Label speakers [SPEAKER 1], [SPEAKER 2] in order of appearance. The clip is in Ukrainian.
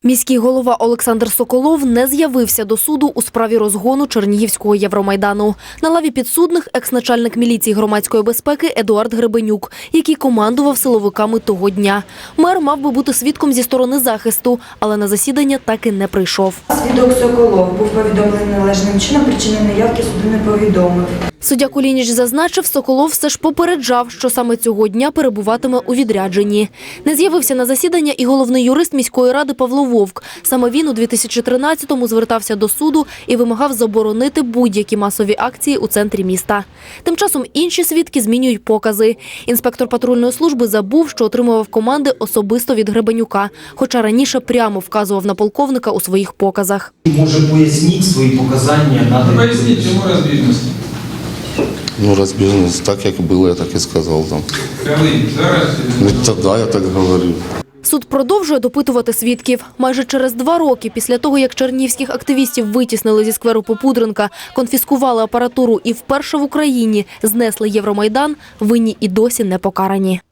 [SPEAKER 1] Міський голова Олександр Соколов не з'явився до суду у справі розгону Чернігівського Євромайдану. На лаві підсудних екс-начальник міліції громадської безпеки Едуард Гребенюк, який командував силовиками того дня. Мер мав би бути свідком зі сторони захисту, але на засідання так і не прийшов.
[SPEAKER 2] Свідок Соколов був повідомлений належним чином, причини неявки суду не повідомив.
[SPEAKER 1] Суддя Кулініч зазначив, Соколов все ж попереджав, що саме цього дня перебуватиме у відрядженні. Не з'явився на засідання і головний юрист міської ради Павло Вовк. Саме він у 2013-му звертався до суду і вимагав заборонити будь-які масові акції у центрі міста. Тим часом інші свідки змінюють покази. Інспектор патрульної служби забув, що отримував команди особисто від Гребенюка, хоча раніше прямо вказував на полковника у своїх показах.
[SPEAKER 3] Може, поясніть свої показання?
[SPEAKER 4] Поясніть, чому розбіжності?
[SPEAKER 5] Ну, розбіжність, так як було, я так і сказав там.
[SPEAKER 4] Коли? Зараз?
[SPEAKER 5] Ну, тоді я так говорив.
[SPEAKER 1] Суд продовжує допитувати свідків. Майже через 2 роки після того, як чернігівських активістів витіснили зі скверу Попудренка, конфіскували апаратуру і вперше в Україні знесли Євромайдан, винні і досі не покарані.